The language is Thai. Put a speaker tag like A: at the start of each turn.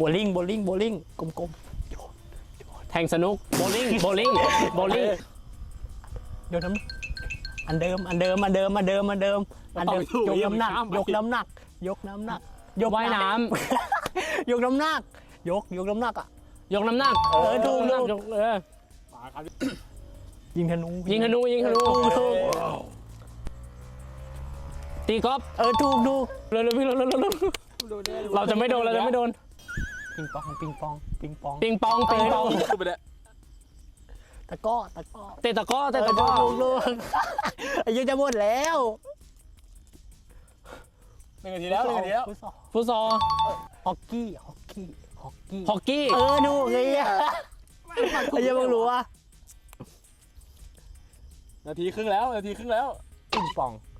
A: บลิ่งกลม
B: แทงสนุกโบลิ่งโบลิ่ง
A: ๆโยนน้ำอันเดิมยกน้ำหนัก
B: ว่ายน้
A: ยกน้ำหนักยกน้ำหนักอ่ะ
B: ำยกน้ำหนัก
A: ถูก
B: ยก
A: ยิงธนู
B: ยิงธนู
A: ถูก
B: ตีกอล์ฟ
A: ถูก
B: เร็วพี่เร็วเราจะไม่โดน
A: ปิงปอง
B: ปิงปอง
C: ไปเลย
A: ตะก้อ
B: เตะตะก้อ
A: ลูกอายุจะหมดแล้ว
C: 1 นาทีแล้ว
B: ฟุตซอล
A: ฮอกกี้
B: ฮอกกี้
A: ดูไงอ่ะอายุมึงรู้อ่ะ
C: นาทีครึ่งแล้ว
A: ปิงปอง